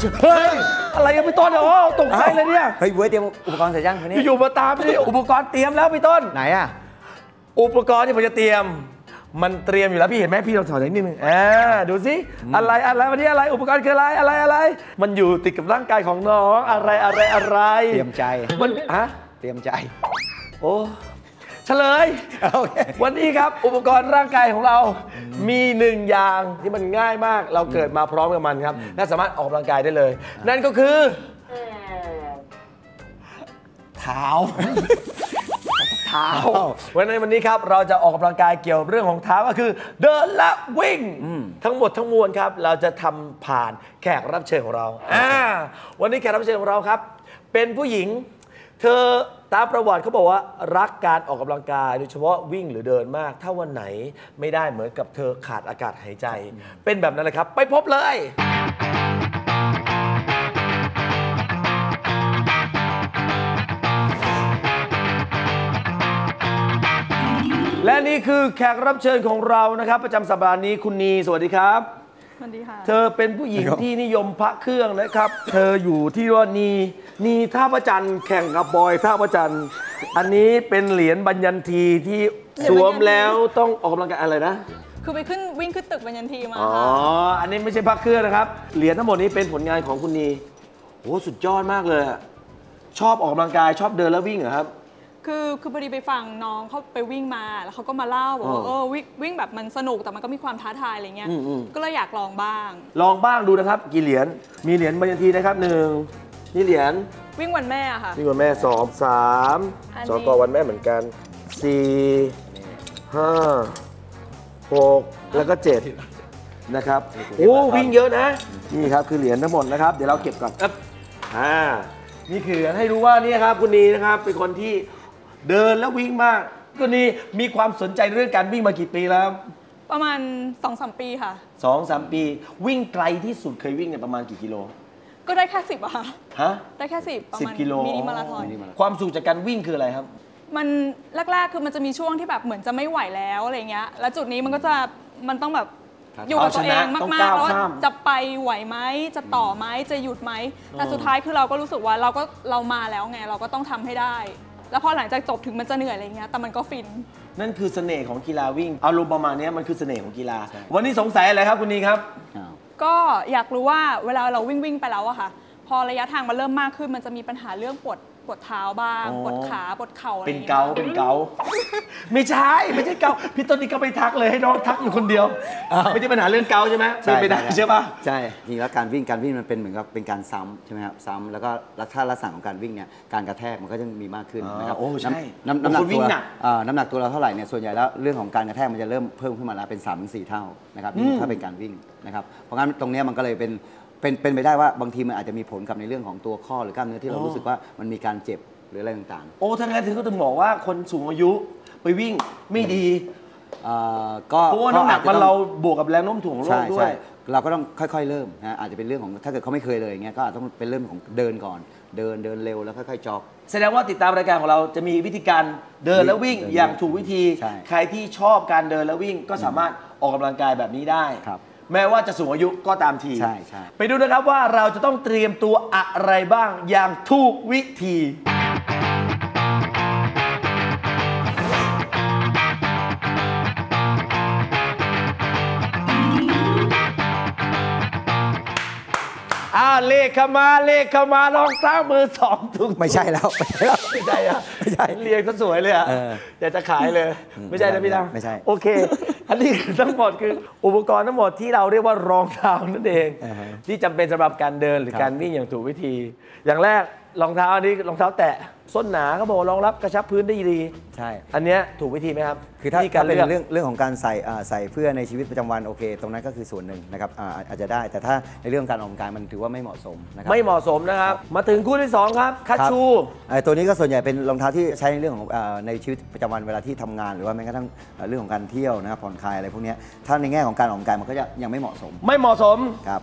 เฮ้ยอะไรกันพี่ต้นเนี่ยโอ้ตกใจเลยเนี่ยเฮ้ยเว้ยเตรียมอุปกรณ์เสร็จยังนี้อยู่มาตามนี่อุปกรณ์เตรียมแล้วพี่ต้นไหนอ่ะอุปกรณ์ที่ผมจะเตรียมมันเตรียมอยู่แล้วพี่เห็นไหมพี่เราถอดนิดนึงดูสิอะไรวันนี้อะไรอุปกรณ์คืออะไรมันอยู่ติดกับร่างกายของน้องอะไรเตรียมใจมันเตรียมใจโอ้เฉลยวันนี้ครับอุปกรณ์ร่างกายของเรามีหนึ่งอย่างที่มันง่ายมากเราเกิดมาพร้อมกับมันครับและสามารถออกกำลังกายได้เลยนั่นก็คือเท้าวันนี้ครับเราจะออกกำลังกายเกี่ยวเรื่องของเท้าก็คือเดินและวิ่งทั้งหมดทั้งมวลครับเราจะทำผ่านแขกรับเชิญของเราวันนี้แขกรับเชิญของเราครับเป็นผู้หญิงเธอตามประวัติเขาบอกว่ารักการออกกำลังกายโดยเฉพาะวิ่งหรือเดินมากถ้าวันไหนไม่ได้เหมือนกับเธอขาดอากาศหายใจเป็นแบบนั้นเลยครับไปพบเลยและนี่คือแขกรับเชิญของเรานะครับประจำสัปดาห์นี้คุณนีสวัสดีครับสวัสดีค่ะเธอเป็นผู้หญิงที่นิยมพระเครื่องนะครับเธออยู่ที่ว่านีท่าพระจันทร์แข่งกับบอยท่าพระจันทร์อันนี้เป็นเหรียญบัญญันทีที่สวมแล้วต้องออกกำลังกายอะไรนะคือไปวิ่งขึ้นตึกบัญญันทีมาค่ะอันนี้ไม่ใช่พระเครื่องนะครับเหรียญทั้งหมดนี้เป็นผลงานของคุณนีโอ้สุดยอดมากเลยชอบออกกำลังกายชอบเดินแล้ววิ่งเหรอครับคือพอดีไปฟังน้องเขาไปวิ่งมาแล้วเขาก็มาเล่าบอกว่าวิ่งแบบมันสนุกแต่มันก็มีความท้าทายอะไรเงี้ยก็เลยอยากลองบ้างดูนะครับกี่เหรียญมีเหรียญบัญญันทีนะครับ1นี่เหรียญวิ่งวันแม่ค่ะวิ่งวันแม่2 3 2ก็วันแม่เหมือนกัน4 5 6แล้วก็7นะครับโอ้วิ่งเยอะนะนี่ครับคือเหรียญทั้งหมดนะครับเดี๋ยวเราเก็บก่อนนี่คือให้รู้ว่านี่ครับคุณนีนะครับเป็นคนที่เดินแล้ววิ่งมากคุณนีมีความสนใจเรื่องการวิ่งมากี่ปีแล้วประมาณ 2-3 ปีค่ะ 2-3 ปีวิ่งไกลที่สุดเคยวิ่งเนี่ยประมาณกี่กิโลก็ได้แค่10อะค่ะได้แค่10ประมาณ 10 กิโลมินิมาราธอนความสุขจากการวิ่งคืออะไรครับมันแรกๆคือมันจะมีช่วงที่แบบเหมือนจะไม่ไหวแล้วอะไรเงี้ยแล้วจุดนี้มันต้องแบบอยู่กับตัวเองมากๆแล้วจะไปไหวไหมจะต่อไหมจะหยุดไหมแต่สุดท้ายคือเราก็รู้สึกว่าเรามาแล้วไงเราก็ต้องทำให้ได้แล้วพอหลังจากจบถึงมันจะเหนื่อยอะไรเงี้ยแต่มันก็ฟินนั่นคือเสน่ห์ของกีฬาวิ่งอารมณ์ประมาณนี้มันคือเสน่ห์ของกีฬาวันนี้สงสัยอะไรครับคุณนีครับก็อยากรู้ว่าเวลาเราวิ่งไปแล้วอะค่ะพอระยะทางมันเริ่มมากขึ้นมันจะมีปัญหาเรื่องปวดเท้าบ้างปวดขาปวดเข่าอะไรเป็นเกาไม่ใช่เกาพี่ต้นนี่ก็ไปทักเลยให้น้องทักอยู่คนเดียวไม่ใช่ปัญหาเรื่องเกาใช่ไหมไม่ได้ใช่ปะใช่จริงแล้วการวิ่งมันเป็นเหมือนกับเป็นการซ้ำใช่ไหมครับซ้ำแล้วก็ถ้าลักษณะของการวิ่งเนี่ยการกระแทกมันก็จะมีมากขึ้นนะครับโอ้ใช่น้ำหนักตัวเราเท่าไหร่เนี่ยส่วนใหญ่แล้วเรื่องของการกระแทกมันจะเริ่มเพิ่มขึ้นมาแล้วเป็น 3-4 เท่านะครับถ้าเป็นการวิ่งนะครับเพราะงั้นตรงนี้มันก็เลยเป็นไปได้ว่าบางทีมันอาจจะมีผลกับในเรื่องของตัวข้อหรือกล้ามเนื้อที่เรารู้สึกว่ามันมีการเจ็บหรืออะไรต่างๆโอ้ทั้งนั้นถึงก็ต้องบอกว่าคนสูงอายุไปวิ่งไม่ดีก็เพราะว่าน้ำหนักมันเราบวกกับแรงโน้มถ่วงของโลกด้วยเราก็ต้องค่อยๆเริ่มนะอาจจะเป็นเรื่องของถ้าเกิดเขาไม่เคยเลยอย่างเงี้ยก็ต้องเป็นเรื่องของเดินก่อนเดินเร็วแล้วค่อยๆจ็อกแสดงว่าติดตามรายการของเราจะมีวิธีการเดินและวิ่งอย่างถูกวิธีใครที่ชอบการเดินและวิ่งก็สามารถออกกำลังกายแบบนี้ได้แม้ว่าจะสูงอายุก็ตามทีไปดูนะครับว่าเราจะต้องเตรียมตัวอะไรบ้างอย่างถูกวิธีเลขเข้ามารองเท้ามือ2ถุงไม่ใช่แล้วไม่ใช่เรียงซะสวยเลยอยากจะขายเลยไม่ใช่นะพี่ดาวไม่ใช่โอเคอันนี้ทั้งหมดคืออุปกรณ์ทั้งหมดที่เราเรียกว่ารองเท้านั่นเองที่จำเป็นสำหรับการเดินหรือการวิ่งอย่างถูกวิธีอย่างแรกรองเท้าอันนี้รองเท้าแตะส้นหนาเขาบอกรองรับกระชับพื้นได้ดีใช่อันนี้ถูกวิธีไหมครับคือถ้าเป็นเรื่องของการใส่เพื่อในชีวิตประจำวันโอเคตรงนั้นก็คือส่วนหนึ่งนะครับอาจจะได้แต่ถ้าในเรื่องการออกกำลังกายมันถือว่าไม่เหมาะสมนะครับไม่เหมาะสมนะครับมาถึงคู่ที่2ครับคัชชูตัวนี้ก็ส่วนใหญ่เป็นรองเท้าที่ใช้ในเรื่องของในชีวิตประจำวันเวลาที่ทำงานหรือว่าแม้กระทั่งเรื่องของการเที่ยวนะครับผ่อนคลายอะไรพวกนี้ถ้าในแง่ของการออกกำลังกายมันก็ยังไม่เหมาะสมครับ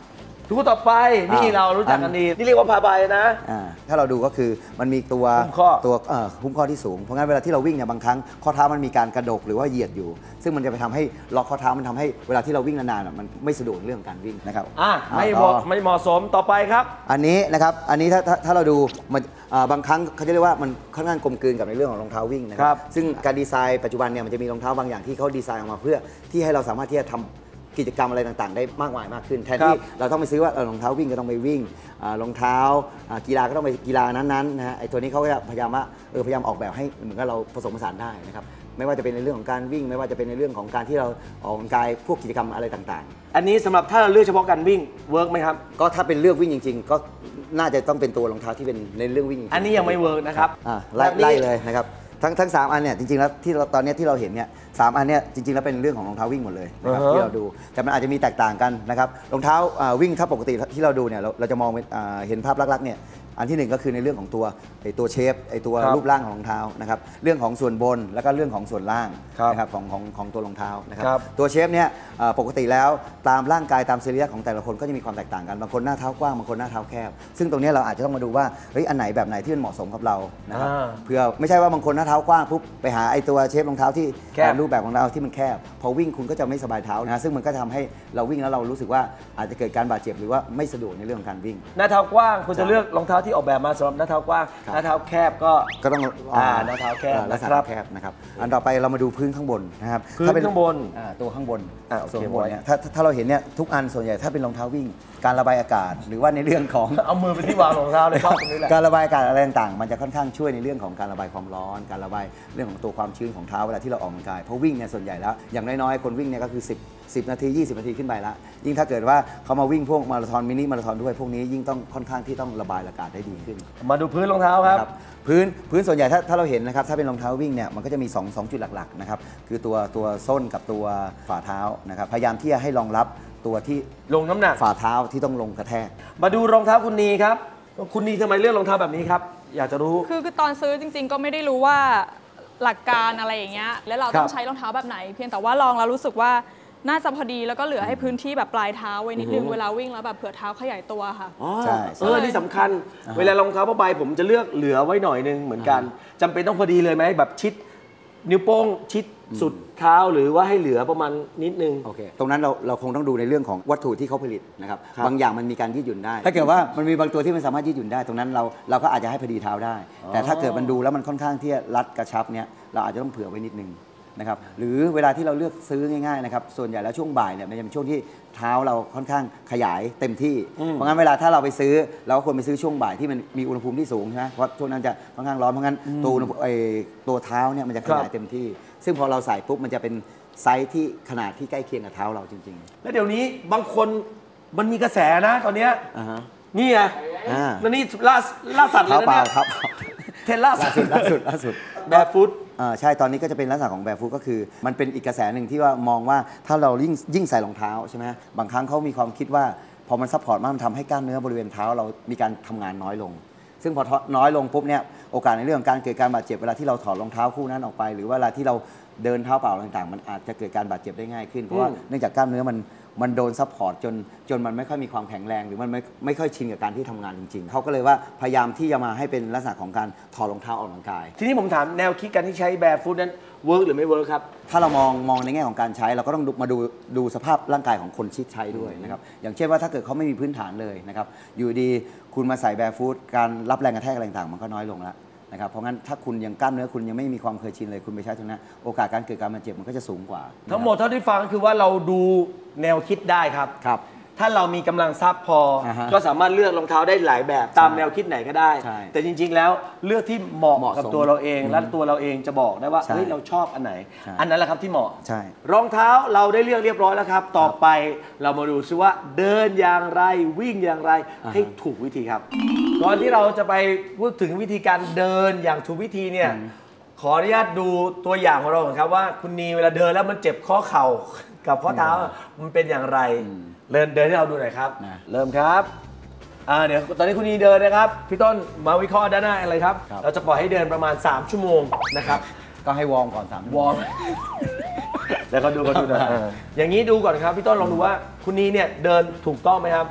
คู่ต่อไปนี่เรารู้จักกันดีนี่เรียกว่าผ้าใบนะถ้าเราดูก็คือมันมีตัวหุ้มข้อที่สูงเพราะงั้นเวลาที่เราวิ่งเนี่ยบางครั้งข้อเท้ามันมีการกระดกหรือว่าเหยียดอยู่ซึ่งมันจะไปทำให้ล็อกข้อเท้ามันทำให้เวลาที่เราวิ่งนานๆมันไม่สะดวกเรื่องการวิ่งนะครับไม่เหมาะสมต่อไปครับอันนี้นะครับอันนี้ถ้าเราดูมันบางครั้งเขาจะเรียกว่ามันค่อนข้างกลมกลืนกับในเรื่องของรองเท้าวิ่งนะครับซึ่งการดีไซน์ปัจจุบันเนี่ยมันจะมีรองเท้าบางอย่างที่เขาดีไซน์ออกมาเพื่อที่ให้เราสามารถที่จะทำกิจกรรมอะไรต่างๆได้มากมายมากขึ้นแทนที่เราต้องไปซื้อว่ารองเท้าวิ่งก็ต้องไปวิ่งรองเท้ากีฬาก็ต้องไปกีฬานั้นๆนะฮะไอ้ตัวนี้เขาก็จะพยายามว่าพยายามออกแบบให้เหมือนกับเราผสมผสานได้นะครับไม่ว่าจะเป็นในเรื่องของการวิ่งไม่ว่าจะเป็นในเรื่องของการที่เราออกกำลังกายพวกกิจกรรมอะไรต่างๆอันนี้สำหรับถ้าเราเลือกเฉพาะการวิ่งเวิร์กไหมครับก็ถ้าเป็นเลือกวิ่งจริงๆก็น่าจะต้องเป็นตัวรองเท้าที่เป็นในเรื่องวิ่งอันนี้ยังไม่เวิร์กนะครับไล่เลยนะครับทั้ง3 อันเนี่ยจริงๆแล้วที่ตอนนี้ที่เราเห็นเนี่ย3 อันเนี่ยจริงๆแล้วเป็นเรื่องของรองเท้าวิ่งหมดเลยนะครับที่เราดูแต่มันอาจจะมีแตกต่างกันนะครับรองเท้าวิ่งถ้าปกติที่เราดูเนี่ยเราจะมองเห็นภาพลักษณ์เนี่ยอันที่1ก็คือในเรื่องของตัวเชฟตัวรูปร่างของรองเท้านะครับเรื่องของส่วนบนแล้วก็เรื่องของส่วนล่างนะครับของตัวรองเท้านะครับตัวเชฟเนี่ยปกติแล้วตามร่างกายตามเซรียของแต่ละคนก็จะมีความแตกต่างกันบางคนหน้าเท้ากว้างบางคนหน้าเท้าแคบซึ่งตรงนี้เราอาจจะต้องมาดูว่าอันไหนแบบไหนที่มันเหมาะสมกับเรานะครับเพื่อไม่ใช่ว่าบางคนหน้าเท้ากว้างปุ๊บไปหาไอ้ตัวเชฟรองเท้าที่รูปแบบของเราที่มันแคบพอวิ่งคุณก็จะไม่สบายเท้านะซึ่งมันก็ทำให้เราวิ่งแล้วเรารู้สึกว่าอาจจะเกิดการบาดเจ็บหรือว่าไม่สะดวกในเรื่องของการวิ่งหน้าเท้ากว้างคุณจะเลือกรองเท้าที่ออกแบบมาสำหรับหน้าเท้ากว้างหน้าเท้าแคบก็ต้องหน้าเท้าแคบนะครับแคบนะครับอันต่อไปเรามาดูพื้นข้างบนนะครับถ้าเป็นข้างบนตัวข้างบนส่วนข้างบนเนี่ยถ้าเราเห็นเนี่ยทุกอันส่วนใหญ่ถ้าเป็นรองเท้าวิ่งการระบายอากาศหรือว่าในเรื่องของเอามือไปที่วางรองเท้าเลยครับตรงนี้แหละการระบายอากาศอะไรต่างๆมันจะค่อนข้างช่วยในเรื่องของการระบายความร้อนการระบายเรื่องของตัวความชื้นของเท้าเวลาที่เราออกกำลังกายเพราะวิ่งเนี่ยส่วนใหญ่แล้วอย่างน้อยๆคนวิ่งเนี่ยก็คือ10 นาที 20 นาทีขึ้นไปละยิ่งถ้าเกิดว่าเขามาวิ่งพวกมาราธอนมินิมาราธอนด้วยพวกนี้ยิ่งต้องค่อนข้างที่ต้องระบายอากาศได้ดีขึ้นมาดูพื้นรองเท้าครับพื้นส่วนใหญ่ถ้าเราเห็นนะครับถ้าเป็นรองเท้าวิ่งเนี่ยมันก็จะมี2จุดหลักๆนะครับคือตัวส้นกับตัวฝ่าเท้านะครับพยายามที่จะให้รองรับตัวที่ลงน้ำหนักฝ่าเท้าที่ต้องลงกระแทกมาดูรองเท้าคุณนีครับคุณนีทำไมเลือกรองเท้าแบบนี้ครับอยากจะรู้คือตอนซื้อจริงๆก็ไม่ได้รู้ว่าหลักการอะไรอย่างเงี้ยแล้วเราต้องใช้รองเท้าแบบไหนเพียงแต่ว่าลองแล้วรู้สึกว่าน่าจะพอดีแล้วก็เหลือให้พื้นที่แบบปลายเท้าไว้นิดนึงเวลาวิ่งแล้วแบบเผื่อเท้าขยายตัวค่ะใช่นี่สำคัญเวลารองเท้าผ้าใบผมจะเลือกเหลือไว้หน่อยนึงเหมือนกันจำเป็นต้องพอดีเลยไหมแบบชิดนิ้วโป้งชิดสุดเท้าหรือว่าให้เหลือประมาณนิดนึงโอเคตรงนั้นเราคงต้องดูในเรื่องของวัตถุที่เขาผลิตนะครับบางอย่างมันมีการยืดหยุ่นได้ถ้าเกิดว่ามันมีบางตัวที่มันสามารถยืดหยุ่นได้ตรงนั้นเราก็อาจจะให้พอดีเท้าได้แต่ถ้าเกิดมันดูแล้วมันค่อนข้างที่จะรัดกระชับเนี้ยเราอาจจะต้องเผื่อไว้นิดนึงนะครับหรือเวลาที่เราเลือกซื้อง่ายๆนะครับส่วนใหญ่แล้วช่วงบ่ายเนี่ยมันจะเป็นช่วงที่เท้าเราค่อนข้างขยายเต็มที่เพราะงั้นเวลาถ้าเราไปซื้อเราควรไปซื้อช่วงบ่ายที่มันมีอุณหภูมิที่สูงใช่ไหมเพราะช่วงนั้นจะค่อนข้างร้อนเพราะงั้นตัวเท้าเนี่ยมันจะขยายเต็มที่ซึ่งพอเราใส่ปุ๊บมันจะเป็นไซส์ที่ขนาดที่ใกล้เคียงกับเท้าเราจริงๆแล้วเดี๋ยวนี้บางคนมันมีกระแสนะตอนนี้นี่ไงแล้วนี่ล่าสัตว์เลยนะเนี่ยเทรนล่าสุดแบบฟุตใช่ตอนนี้ก็จะเป็นลักษณะของแบบฟุตก็คือมันเป็นอีกกระแสหนึ่งที่ว่ามองว่าถ้าเรายิ่งใส่รองเท้าใช่ไหมบางครั้งเขามีความคิดว่าพอมันซัพพอร์ตมากมันทำให้กล้ามเนื้อบริเวณเท้าเรามีการทำงานน้อยลงซึ่งพอน้อยลงปุ๊บเนี่ยโอกาสในเรื่องของการเกิดการบาดเจ็บเวลาที่เราถอดรองเท้าคู่นั้นออกไปหรือว่าเวลาที่เราเดินเท้าเปล่าต่างๆมันอาจจะเกิดการบาดเจ็บได้ง่ายขึ้นเพราะว่าเนื่องจากกล้ามเนื้อมันโดนซัพพอร์ตจนมันไม่ค่อยมีความแข็งแรงหรือมันไม่ค่อยชินกับการที่ทำงานจริงๆเขาก็เลยว่าพยายามที่จะมาให้เป็นลักษณะของการถอดรองเท้าออกกำลังกายทีนี้ผมถามแนวคิดการที่ใช้แบร์ฟุตนั้นเวิร์กหรือไม่เวิร์กครับถ้าเรามองในแง่ของการใช้เราก็ต้องมาดูสภาพร่างกายของคนที่ใช้ด้วยนะครับอย่างเช่นว่าถ้าเกิดเขาไม่มีพื้นฐานเลยนะครับอยู่ดีคุณมาใส่แบร์ฟุตการรับแรงกระแทกอะไรต่างๆมันก็น้อยลงแล้วนะครับเพราะงั้นถ้าคุณยังกล้ามเนื้อคุณยังไม่มีความเคยชินเลยคุณไปใช้ตรงนั้นโอกาสการเกิดการบาดเจ็บมันก็จะสูงกว่าทั้งหมดเท่าที่ฟังคือว่าเราดูแนวคิดได้ครับถ้าเรามีกำลังทรัพย์พอก็สามารถเลือกรองเท้าได้หลายแบบตามแนวคิดไหนก็ได้แต่จริงๆแล้วเลือกที่เหมาะกับตัวเราเองและตัวเราเองจะบอกได้ว่าเฮ้ยเราชอบอันไหนอันนั้นแหละครับที่เหมาะรองเท้าเราได้เลือกเรียบร้อยแล้วครับต่อไปเรามาดูซิว่าเดินอย่างไรวิ่งอย่างไรให้ถูกวิธีครับก่อนที่เราจะไปพูดถึงวิธีการเดินอย่างถูกวิธีเนี่ยขออนุญาตดูตัวอย่างของเราครับว่าคุณนีเวลาเดินแล้วมันเจ็บข้อเข่ากับข้อเท้ามันเป็นอย่างไรเดินให้เราดูหน่อยครับเริ่มครับเดี๋ยวตอนนี้คุณนีเดินนะครับพี่ต้นมาวิเคราะห์ด้านหน้าอะไรครับเราจะปล่อยให้เดินประมาณ3 ชั่วโมงนะครับก็ให้วอร์มก่อน3 วอร์มแล้วก็ดูนะอย่างนี้ดูก่อนครับพี่ต้นลองดูว่าคุณนีเนี่ยเดินถูกต้องไหมครับ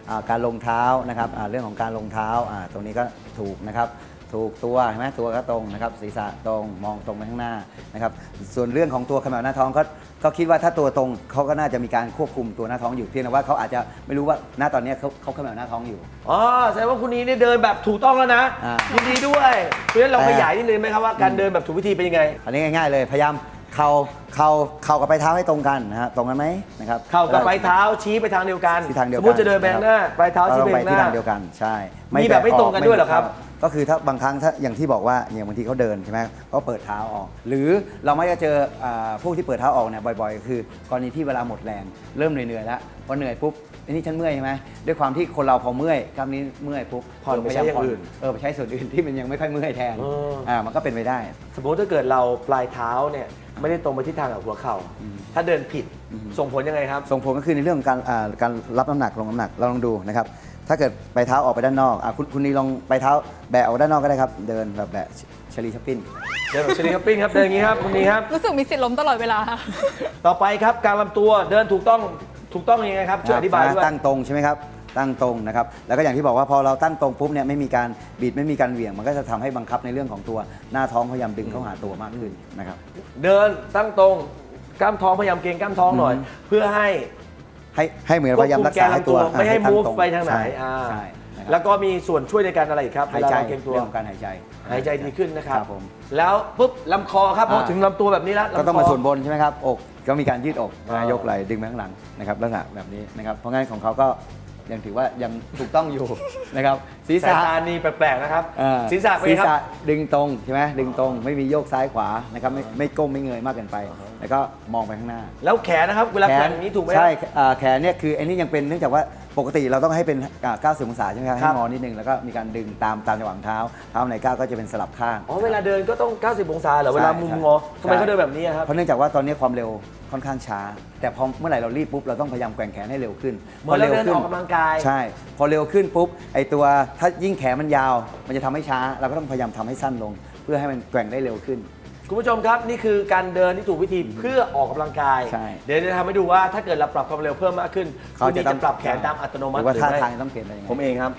การลงเท้านะครับเรื่องของการลงเท้าตรงนี้ก็ถูกนะครับถูกตัวเห็นไหมตัวก็ตรงนะครับศีรษะตรงมองตรงไปข้างหน้านะครับส่วนเรื่องของตัวขมวดหน้าท้องก็คิดว่าถ้าตัวตรงเขาก็น่าจะมีการควบคุมตัวหน้าท้องอยู่เพียงแต่ว่าเขาอาจจะไม่รู้ว่าหน้าตอนนี้เขาขมวดหน้าท้องอยู่อ๋อแสดงว่าคุณนี้เนี่ยเดินแบบถูกต้องแล้วนะยินดีด้วยเพราะฉะนั้นเราขยายนิดนึงไหมครับว่าการเดินแบบถูกวิธีเป็นยังไงอันนี้ง่ายๆเลยพยายามเข่ากับปลายเท้าให้ตรงกันนะฮะตรงกันไหมนะครับเข่ากับปลายเท้าชี้ไปทางเดียวกันสมมติจะเดินไปข้างหน้าปลายเท้าชี้ไปข้างหน้าที่ทางเดียวกันใช่มีแบบไม่ตรงกันด้วยเหรอครับก็คือถ้าบางครั้งถ้าอย่างที่บอกว่าอย่างบางทีเขาเดินใช่ไหมเขาเปิดเท้าออกหรือเราไม่จะเจอพวกที่เปิดเท้าออกเนี่ยบ่อยๆคือกรณีที่เวลาหมดแรงเริ่มเหนื่อยแล้วพอเหนื่อยปุ๊บนี่ฉันเมื่อยใช่ไหมด้วยความที่คนเราพอเมื่อยกล้ามนี้เมื่อยปุ๊บผ่อนไปใช้อย่างอื่นไปใช้ส่วนอื่นที่มันยังไม่ค่อยเมื่อยแทนมันก็เป็นไปได้สมมติถ้าเกิดเราปลายเท้าเนี่ยไม่ได้ตรงไปที่ทางกับหัวเข่าถ้าเดินผิดส่งผลยังไงครับส่งผลก็คือในเรื่องของการรับน้ำหนักลงน้ำหนักเราลองดูนะครับถ้าเกิดไปเท้าออกไปด้านนอกคุณนี่ลองไปเท้าแบะออกด้านนอกก็ได้ครับเดินแบบแบะชลีชัปปิ้นเดินแบบชลีชัปปิ้นครับเดินอย่างนี้ครับคุณนี่ครับรู้สึกมีสิทธิ์ล้มตลอดเวลาต่อไปครับการลำตัวเดินถูกต้องยังไงครับช่วยอธิบายด้วยตั้งตรงใช่ไหมครับตั้งตรงนะครับแล้วก็อย่างที่บอกว่าพอเราตั้งตรงปุ๊บเนี่ยไม่มีการบิดไม่มีการเหวี่ยงมันก็จะทำให้บังคับในเรื่องของตัวหน้าท้องพยายามดึงเข้าหาตัวมากขึ้นนะครับเดินตั้งตรงกล้ามท้องพยายามเกร็งกล้ามท้องหน่อยเพื่อให้เหมือนพยายามรักษาให้ตัวไม่ให้ move ไปทางไหนแล้วก็มีส่วนช่วยในการอะไรอีกครับหายใจเรื่องของการหายใจดีขึ้นนะครับแล้วปุ๊บลำคอครับพอถึงลำตัวแบบนี้แล้วก็ต้องมาส่วนบนใช่ไหมครับอกก็มีการยืดอกยกไหล่ดึงไปข้างหลังนะครับลักษณะแบบนี้นะครับเพราะงั้นของเขาก็ยังถือว่ายังถูกต้องอยู่นะครับศีรษะนี่แปลกๆนะครับศีรษะดึงตรงใช่ไหมดึงตรงไม่มีโยกซ้ายขวานะครับไม่ก้มไม่เงยมากเกินไปแล้วก็มองไปข้างหน้าแล้วแขนนะครับเวลาแขนอย่างนี้ถูกไหมใช่แขนเนี่ยคืออันนี้ยังเป็นเนื่องจากว่าปกติเราต้องให้เป็น90 องศาใช่ไหมครับให้งอนิดนึงแล้วก็มีการดึงตามจังหวะเท้าในก้าวก็จะเป็นสลับข้างเวลาเดินก็ต้อง90 องศาเหรอเวลามุมงอทำไมเขาเดินแบบนี้ครับเพราะเนื่องจากว่าตอนนี้ความเร็วค่อนข้างช้าแต่พอเมื่อไหร่เรารีบปุ๊บเราต้องพยายามแกว่งแขนให้เร็วขึ้นพอเร็วขึ้นออกกำลังกายใช่พอเร็วขึ้นปุ๊บไอตัวถ้ายิ่งแขนมันยาวมันจะทำให้ช้าเราก็ต้องพยายามทำให้สั้นลงเพื่อให้มันแกว่งได้เร็วขึ้นคุณผู้ชมครับนี่คือการเดินที่ถูกวิธีเพื่อออกกำลังกายเดี๋ยวจะทำให้ดูว่าถ้าเกิดเราปรับความเร็วเพิ่มมากขึ้นคุณจะปรับแขนตามอัตโนมัติหรือว่าท่าทางต้องเปลี่ยนอะไรยังไงผมเองครับ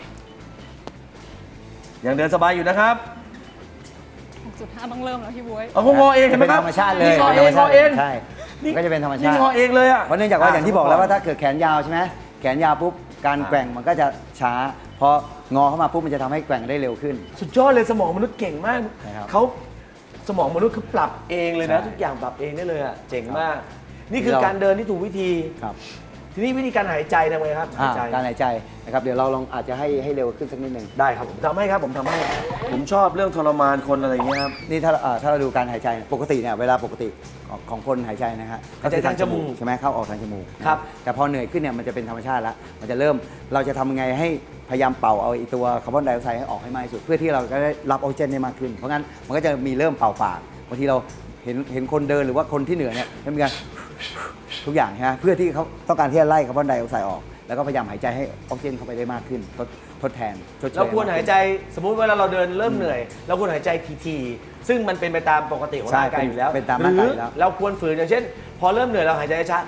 ยังเดินสบายอยู่นะครับ 6.5ต้องเริ่มแล้วพี่บ๊วยเขางอเองเห็นไหมครับธรรมชาติเลยงอเองใช่ก็จะเป็นธรรมชาติงอเองเลยเพราะเนื่องจากว่าอย่างที่บอกแล้วว่าถ้าเกิดแขนยาวใช่ไหมแขนยาวปุ๊บการแกว่งมันก็จะช้าพองอเข้ามาปุ๊บมันจะทำให้แกว่งได้เร็วขึ้นสุดยอดเลยสมองมนุษย์เก่งมากเขาสมองมนุษย์คือปรับเองเลยนะทุกอย่างปรับเองได้เลยอ่ะเจ๋งมากนี่คือการเดินที่ถูกวิธีทีนี้วิธีการหายใจทำไงครับการหายใจนะครับเดี๋ยวเราลองอาจจะให้เร็วขึ้นสักนิดนึงได้ครับผมทำให้ครับผมทำให้ผมชอบเรื่องทรมานคนอะไรอย่างเงี้ยครับนี่ถ้าเราดูการหายใจปกติเนี่ยเวลาปกติของคนหายใจนะฮะหายใจทางจมูกใช่ไหมเข้าออกทางจมูกครับแต่พอเหนื่อยขึ้นเนี่ยมันจะเป็นธรรมชาติแล้วมันจะเริ่มเราจะทำยังไงให้พยายามเป่าเอาตัวคาร์บอนไดออกไซด์ให้ออกให้มากที่สุดเพื่อที่เราจะได้รับออกซิเจนได้มากขึ้นเพราะงั้นมันก็จะมีเริ่มเป่าปากบางทีเราเห็นคนเดินหรือว่าคนที่เหนื่อยเนี่ยมีการทุกอย่างใช่ไหมเพื่อที่เขาต้องการที่จะไล่คาร์บอนไดออกไซด์ออกแล้วก็พยายามหายใจให้ออกซิเจนเข้าไปได้มากขึ้นทดแทนเราควรหายใจสมมุติเวลาเราเดินเริ่มเหนื่อยเราควรหายใจทีๆซึ่งมันเป็นไปตามปกติของร่างกายอยู่แล้วเป็นตามร่างกายแล้วเราควรฝืนอย่างเช่นพอเริ่มเหนื่อยเราหายใจช้า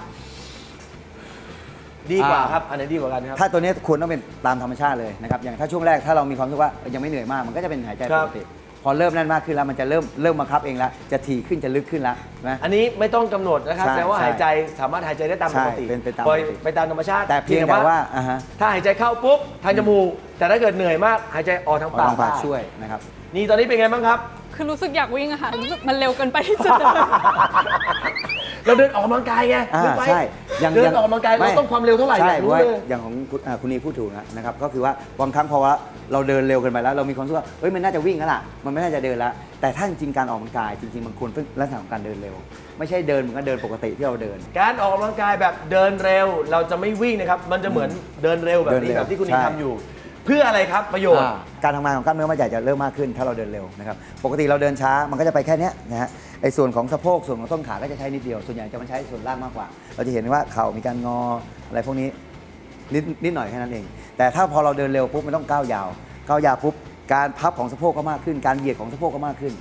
ดีกว่าครับอันไหนดีกว่ากันครับถ้าตัวนี้ควรต้องเป็นตามธรรมชาติเลยนะครับอย่างถ้าช่วงแรกถ้าเรามีความรู้สึกว่ายังไม่เหนื่อยมากมันก็จะเป็นหายใจปกติพอเริ่มนั่นมากขึ้นแล้วมันจะเริ่มบังคับเองแล้วจะถี่ขึ้นจะลึกขึ้นแล้วนะอันนี้ไม่ต้องกำหนดนะครับแปลว่าหายใจสามารถหายใจได้ตามปกติไปตามธรรมชาติแต่เพียงแต่ว่าถ้าหายใจเข้าปุ๊บทางจมูกแต่ถ้าเกิดเหนื่อยมากหายใจออกทางปากช่วยนะครับนี่ตอนนี้เป็นไงบ้างครับคือรู้สึกอยากวิ่งอะค่ะรู้สึกมันเร็วเกินไปที่จะเราเดินออกกำลังกายไงใช่เดินออกกำลังกายเราต้องความเร็วเท่าไหร่ใช่เพราะว่าอย่างของคุณนีพูดถูกนะครับก็คือว่าบางครั้งเพราะว่าเราเดินเร็วเกินไปแล้วเรามีความรู้สึกว่ามันน่าจะวิ่งแล้วล่ะมันไม่น่าจะเดินแล้วแต่ถ้าจริงๆการออกกำลังกายจริงๆมันควรเป็นลักษณะของการเดินเร็วไม่ใช่เดินเหมือนกับเดินปกติที่เราเดินการออกกำลังกายแบบเดินเร็วเราจะไม่วิ่งนะครับมันจะเหมือนเดินเร็วแบบนี้แบบที่คุณนีทำอยู่เพื่ออะไรครับประโยชน์การทำงานของกล้ามเนื้อมัดใหญ่จะเริ่มมากขึ้นถ้าเราเดินเร็วนะครับปกติเราเดินช้ามันก็จะไปแค่นี้นะฮะไอ้ส่วนของสะโพกส่วนของต้นขาก็จะใช้นิดเดียวส่วนใหญ่จะมาใช้ส่วนล่างมากกว่าเราจะเห็นว่าเข่ามีการงออะไรพวกนี้นิดหน่อยแค่นั้นเองแต่ถ้าพอเราเดินเร็วปุ๊บมันต้องก้าวยาวปุ๊บการพับของสะโพกก็มากขึ้นการเหยียดของสะโพกก็มากขึ้นน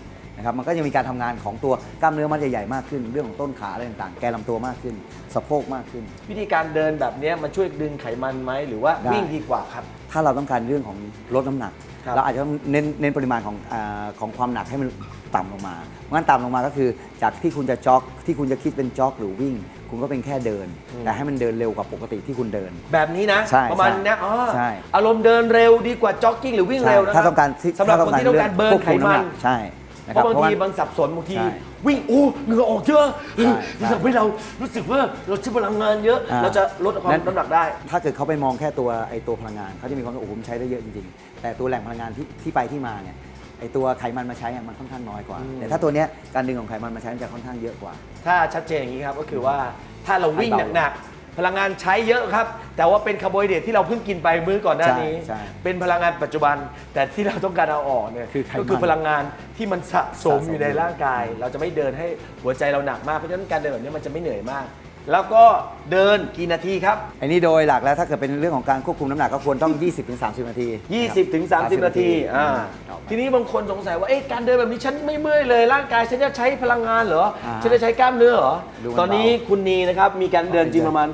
นะครับมันก็จะมีการทำงานของตัวกล้ามเนื้อมัดใหญ่ๆมากขึ้นเรื่องของต้นขาอะไรต่างๆแกนลำตัวมากขึ้นสะโพกมากขึ้นวิธีการเดินแบบนี้มันช่วยดึงไขมันไหมหรือว่าวิ่งดีกว่าครับถ้าเราต้องการเรื่องของลดน้ำหนักเราอาจจะต้องเน้นปริมาณของความหนักให้มันต่ำลงมางั้นต่ำลงมาก็คือจากที่คุณจะจ็อกที่คุณจะคิดเป็นจ็อกหรือวิ่งคุณก็เป็นแค่เดินแต่ให้มันเดินเร็วกว่าปกติที่คุณเดินแบบนี้นะประมาณนี้อารมณ์เดินเร็วดีกว่าจ็อกกิ้งหรือวิ่งเร็วนะถ้าต้องการสำหรับคนที่ต้องการเบิร์นไขมันใช่เพราะบางทีมันสับสนบางทีวิ่งเหงื่อออกเยอะทำให้เรารู้สึกว่าเราใช้พลังงานเยอะเราจะลดความน้ำหนักได้ถ้าเกิดเขาไปมองแค่ตัวพลังงานเขาจะมีความว่าโอ้โหใช้ได้เยอะจริงๆแต่ตัวแหล่งพลังงานที่ไปที่มาเนี่ยไอตัวไขมันมาใช้มันค่อนข้างน้อยกว่าแต่ถ้าตัวเนี้ยการดึงของไขมันมาใช้จะค่อนข้างเยอะกว่าถ้าชัดเจนอย่างนี้ครับก็คือว่าถ้าเราวิ่งหนักพลังงานใช้เยอะครับแต่ว่าเป็นคาร์โบไฮเดรตที่เราเพิ่งกินไปมื้อก่อนหน้านี้เป็นพลังงานปัจจุบันแต่ที่เราต้องการเอาออกเนี่ยก็คือพลังงานที่มันสะสมอยู่ในร่างกายเราจะไม่เดินให้หัวใจเราหนักมากเพราะฉะนั้นการเดินแบบนี้มันจะไม่เหนื่อยมากแล้วก็เดินกี่นาทีครับอันนี้โดยหลักแล้วถ้าเกิดเป็นเรื่องของการควบคุมน้ำหนักก็ควรต้อง 20-30 นาที 20-30 นาทีทีนี้บางคนสงสัยว่าการเดินแบบนี้ฉันไม่เมื่อยเลยร่างกายฉันจะใช้พลังงานเหรอฉันจะใช้กล้ามเนื้อเหรอตอนนี้คุณนีนะครับมีการเดินจริงประมาณ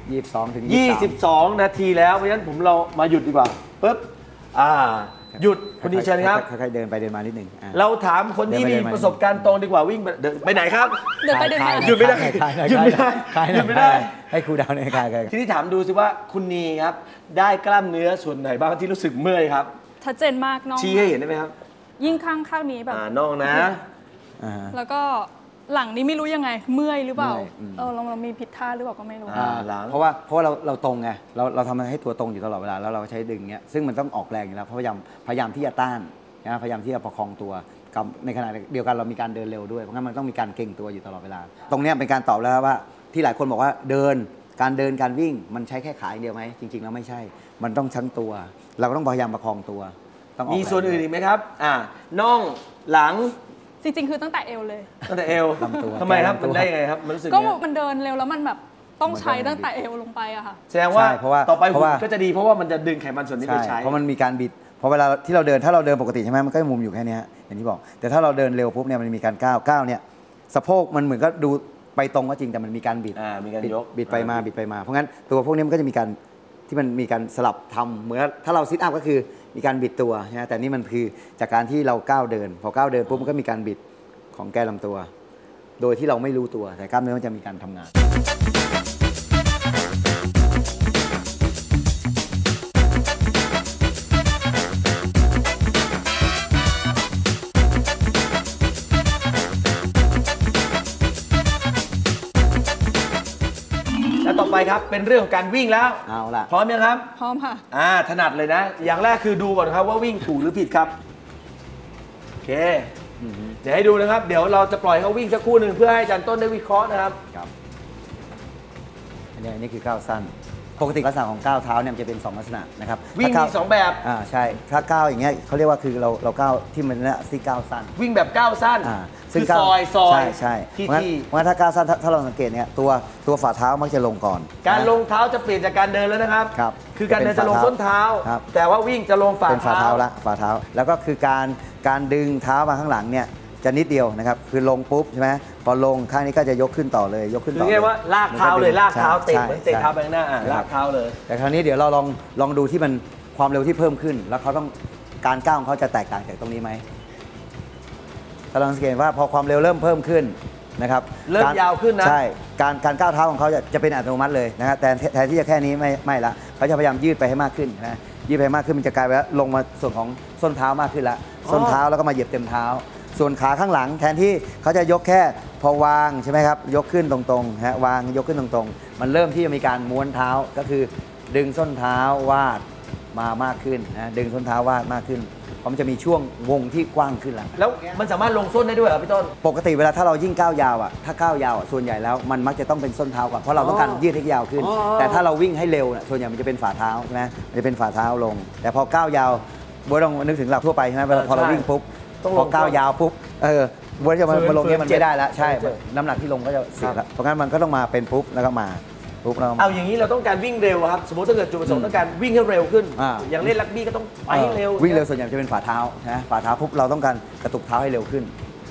22 นาทีแล้วเพราะฉะนั้นเรามาหยุดดีกว่าปึ๊บหยุดคุณนีเชิญครับค่อยๆเดินไปเดินมานิดนึงเราถามคนที่มีประสบการณ์ตรงดีกว่าวิ่งไปไหนครับเดินไปเดินมาหยุดไม่ได้หยุดไม่ได้หยุดไม่ได้ให้ครูดาวในการทีนี้ถามดูสิว่าคุณนีครับได้กล้ามเนื้อส่วนไหนบ้างที่รู้สึกเมื่อยครับชัดเจนมากน้องชี้ให้เห็นได้ไหมครับยิ่งข้างนี้แบบน้องนะแล้วก็หลังนี้ไม่รู้ยังไงเมื่อยหรือเปล่าเรามีผิดท่าหรือเปล่าก็ไม่รู้เพราะว่าเราตรงไงเราทำให้ตัวตรงอยู่ตลอดเวลาแล้วเราใช้ดึงเงี้ยซึ่งมันต้องออกแรงอยู่แล้วพยายามที่จะต้านนะพยายามที่จะประคองตัวกับในขณะเดียวกันเรามีการเดินเร็วด้วยเพราะงั้นมันต้องมีการเก่งตัวอยู่ตลอดเวลาตรงนี้เป็นการตอบแล้วว่าที่หลายคนบอกว่าการวิ่งมันใช้แค่ขาอย่างเดียวไหมจริงๆแล้วไม่ใช่มันต้องทั้งตัวเราก็ต้องพยายามประคองตัวมีส่วนอื่นอีกไหมครับน่องหลังจริงๆคือตั้งแต่เอวเลยตั้งแต่เอวทำไมครับมันได้ยังไงครับมันรู้สึกก็มันเดินเร็วแล้วมันแบบต้องใช้ตั้งแต่เอวลงไปอะค่ะแสดงว่าต่อไปหุ่นก็จะดีเพราะว่ามันจะดึงไขมันส่วนนี้ไปใช้เพราะมันมีการบิดพอเวลาที่เราเดินถ้าเราเดินปกติใช่ไหมมันก็มุมอยู่แค่นี้อย่างที่บอกแต่ถ้าเราเดินเร็วปุ๊บเนี่ยมันมีการก้าวเนี่ยสะโพกมันเหมือนก็ดูไปตรงก็จริงแต่มันมีการบิดมีการยกบิดไปมาเพราะงั้นตัวพวกนี้มันก็จะมีการที่มันมีการสลับทำเหมือนถ้าเราซิทอัพก็คือมีการบิดตัวนะแต่นี่มันคือจากการที่เราก้าวเดินพอก้าวเดินปุ๊บมันก็มีการบิดของแกนลำตัวโดยที่เราไม่รู้ตัวแต่กล้ามเนื้อมันจะมีการทำงานแล้วต่อไปครับเป็นเรื่องของการวิ่งแล้วเอาล่ะพร้อมยังครับพร้อมค่ะถนัดเลยนะอย่างแรกคือดูก่อนครับว่าวิ่งถูกหรือผิดครับโอเคเดี๋ยวให้ดูนะครับเดี๋ยวเราจะปล่อยเขาวิ่งสักครู่หนึ่งเพื่อให้อาจารย์ต้นได้วิเคราะห์นะครับอันนี้คือก้าวสั้นปกติลักษณะของก้าวเท้าเนี่ยมันจะเป็น2ลักษณะนะครับวิ่งมี2แบบใช่ถ้าก้าวอย่างเงี้ยเขาเรียกว่าคือเราก้าวที่มันเนี่ยที่ก้าวสั้นวิ่งแบบก้าวสั้นซึ่งซอยใช่เพราะงั้นถ้าก้าวสั้นถ้าเราสังเกตเนี่ยตัวฝ่าเท้ามักจะลงก่อนการลงเท้าจะเปลี่ยนจากการเดินแล้วนะครับคือการเดินจะลงส้นเท้าแต่ว่าวิ่งจะลงฝ่าเท้าละฝ่าเท้าแล้วก็คือการดึงเท้ามาข้างหลังเนี่ยจะนิดเดียวนะครับคือลงปุ๊บใช่ไหมพอลงข้างนี้ก็จะยกขึ้นต่อเลยยกขึ้นต่อคือเรียกว่าลากเท้าเลยลากเท้าเตะเหมือนเตะเท้าไปข้างหน้าลากเท้าเลยแต่คราวนี้เดี๋ยวเราลองดูที่มันความเร็วที่เพิ่มขึ้นแล้วเขาต้องการก้าวของเขาจะแตกต่างจากตรงนี้ไหมถ้าเราสังเกตว่าพอความเร็วเริ่มเพิ่มขึ้นนะครับเริ่มยาวขึ้นนะใช่การก้าวเท้าของเขาจะเป็นอัตโนมัติเลยนะครับแต่แทนที่จะแค่นี้ไม่ละเขาจะพยายามยืดไปให้มากขึ้นนะยืดไปมากขึ้นมันจะกลายเป็นลงมาส่วนของส้นเท้ามากขึ้นละส้นเท้าแล้วก็มาเหยียบเต็มเท้าส่วนขาข้างหลังแทนที่เขาจะยกแค่พอวางใช่ไหมครับยกขึ้นตรงๆฮะวางยกขึ้นตรงๆมันเริ่มที่จะมีการม้วนเท้าก็คือดึงส้นเท้าวาดมากขึ้นนะดึงส้นเท้าวาดมากขึ้นเพราะมันจะมีช่วงวงที่กว้างขึ้นแล้วมันสามารถลงส้นได้ด้วยเหรอพี่ต้นปกติเวลาถ้าเรายิ่งก้าวยาวถ้าก้าวยาวส่วนใหญ่แล้วมันมักจะต้องเป็นส้นเท้าก่อนเพราะเราต้องการยืดให้ยาวขึ้นแต่ถ้าเราวิ่งให้เร็วส่วนใหญ่มันจะเป็นฝ่าเท้าใช่ไหมมันจะเป็นฝ่าเท้าลงแต่พอก้าวยาวบ๊วยลองนึกถึงหลักทั่วไปใช่ไหมพอเราวิ่งปุ๊บพอก้าวยาวปุ๊บบ๊วยจะมาลงนี้มันไม่ได้แล้วใช่น้ำหนักที่ลงก็จะเสียแล้วเพราะงั้นมันก็ต้องมาเป็นปุ๊บแล้วก็มาปุ๊บเราเอาอย่างนี้เราต้องการวิ่งเร็วครับสมมติถ้าเกิดจุดประสงค์ต้องการวิ่งให้เร็วขึ้นอย่างเล่นรักบี้ก็ต้องไปให้เร็ววิ่งเร็วส่วนใหญ่จะเป็นฝ่าเท้านะฝ่าเท้าปุ๊บเราต้องการกระตุกเท้าให้เร็วขึ้น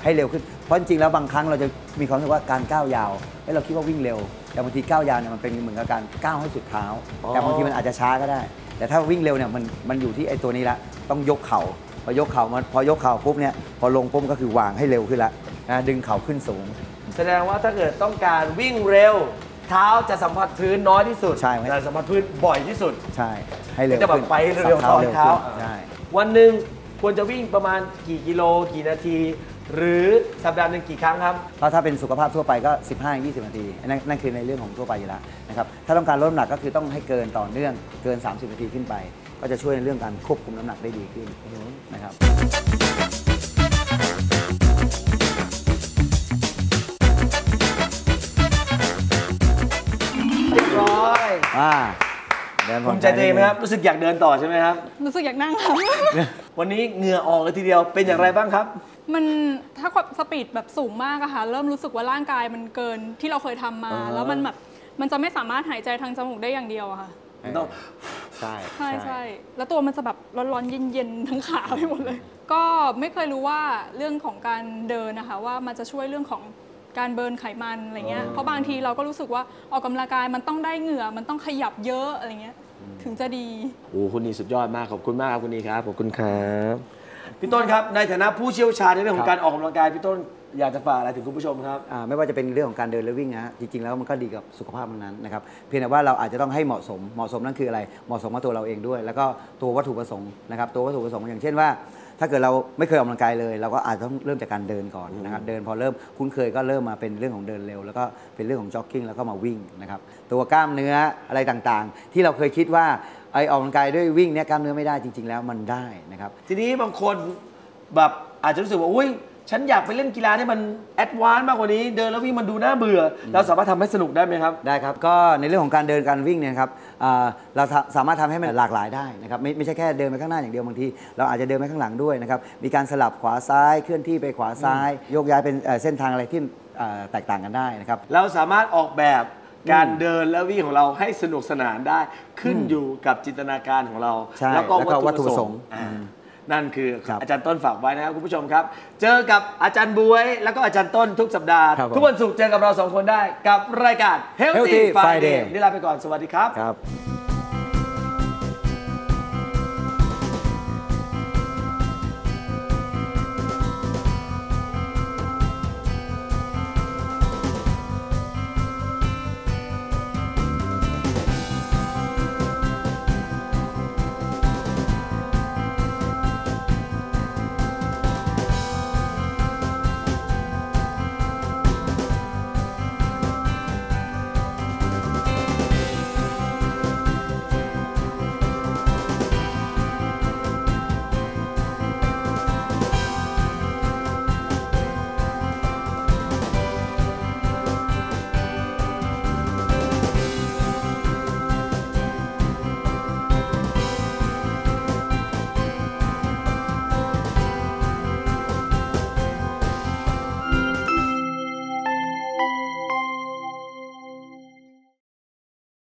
ให้เร็วขึ้นเพราะจริงๆแล้วบางครั้งเราจะมีความรู้สึกว่าการก้าวยาวเราคิดว่าวิ่งเร็วแต่บางทีก้าวยาวเนี่ยมันเป็นเหมือนกับการก้าวให้สุดเท้าแต่บางทีมันอาจจะช้าก็ได้แต่ถ้าวิ่งเร็วเนี่ยมันอยู่ที่ไอ้ตัวนี้ละต้องยกเข่าพอยกเข่าปุ๊บเนี่ยพอลงปุ๊บก็คือวางให้เร็วขึ้นละนะดึงเข่าขึ้นสูงแสดงว่าถ้าเกิดต้องการวิ่งเร็วเท้าจะสัมผัสพื้นน้อยที่สุดแต่สัมผัสพื้นบ่อยที่สุดใช่ให้เร็วจะแบบไปเร็วต่อเท้าใช่วันหนึ่งควรจะวิ่งประมาณกี่กิโลกี่นาทีหรือสัปดาห์หนึ่งกี่ครั้งครับถ้าเป็นสุขภาพทั่วไปก็ 15-20 นาทีนั่นคือในเรื่องของทั่วไปอยู่แล้วนะครับถ้าต้องการลดน้ำหนักก็คือต้องให้เกินต่อเนื่องเกิน30 นาทีขึ้นไปก็จะช่วยในเรื่องการควบคุมน้ำหนักได้ดีขึ้นนะครับเรียบร้อยภูมิใจตัวเองไหมครับรู้สึกอยากเดินต่อใช่ไหมครับรู้สึกอยากนั่งครับวันนี้เหงื่อออกเลยทีเดียวเป็นอย่างไรบ้างครับมันถ้าสปีดแบบสูงมากอะค่ะเริ่มรู้สึกว่าร่างกายมันเกินที่เราเคยทำมาแล้วมันแบบมันจะไม่สามารถหายใจทางจมูกได้อย่างเดียวอะค่ะใช่ใช่แล้วตัวมันจะแบบร้อนๆเย็นๆทั้งขาไปหมดเลยก็ไม่เคยรู้ว่าเรื่องของการเดินนะคะว่ามันจะช่วยเรื่องของการเบิร์นไขมันอะไรเงี้ยเพราะบางทีเราก็รู้สึกว่าออกกำลังกายมันต้องได้เหงื่อมันต้องขยับเยอะอะไรเงี้ยถึงจะดีโอ้คุณนีสุดยอดมากขอบคุณมากครับคุณนีครับขอบคุณครับพี่ต้นครับในฐานะผู้เชี่ยวชาญในเรื่องของการออกกำลังกายพี่ต้นอยากจะฝากอะไรถึงคุณผู้ชมครับไม่ว่าจะเป็นเรื่องของการเดินหรือวิ่งนะจริงๆแล้วมันก็ดีกับสุขภาพนั้นนะครับเพียงแต่ว่าเราอาจจะต้องให้เหมาะสมนั่นคืออะไรเหมาะสมกับตัวเราเองด้วยแล้วก็ตัววัตถุประสงค์นะครับตัววัตถุประสงค์อย่างเช่นว่าถ้าเกิดเราไม่เคยออกกำลังกายเลยเราก็อาจจะต้องเริ่มจากการเดินก่อนนะครับเดินพอเริ่มคุ้นเคยก็เริ่มมาเป็นเรื่องของเดินเร็วแล้วก็เป็นเรื่องของจ็อกกิ้งแล้วก็มาวิ่งนะครับตัวกล้ามเนื้ออะไรต่างๆที่เราเคยคิดว่าไอออกกำลังกายด้วยวิ่งเนี่ยกล้ามเนื้อไม่ได้จริงๆแล้วมันได้นะครับทีนี้บางคนแบบอาจจะรู้สึกว่าอุ้ยฉันอยากไปเล่นกีฬาที่มันแอดวานซ์มากกว่านี้เดินแล้ววิ่งมันดูน่าเบื่อเราสามารถทำให้สนุกได้ไหมครับได้ครับก็ในเรื่องของการเดินการวิ่งเนี่ยครับเราสามารถทำให้มันหลากหลายได้นะครับไม่ใช่แค่เดินไปข้างหน้าอย่างเดียวบางทีเราอาจจะเดินไปข้างหลังด้วยนะครับมีการสลับขวาซ้ายเคลื่อนที่ไปขวาซ้ายโยกย้ายเป็นเส้นทางอะไรที่แตกต่างกันได้นะครับเราสามารถออกแบบการเดินและวิ่งของเราให้สนุกสนานได้ขึ้นอยู่กับจินตนาการของเราแล้วก็วัตถุประสงค์นั่นคืออาจารย์ต้นฝากไว้นะครับคุณผู้ชมครับเจอกับอาจารย์บวยแล้วก็อาจารย์ต้นทุกสัปดาห์ทุกวันศุกร์เจอกับเรา2คนได้กับรายการ Healthy Friday นี่ลาไปก่อนสวัสดีครับ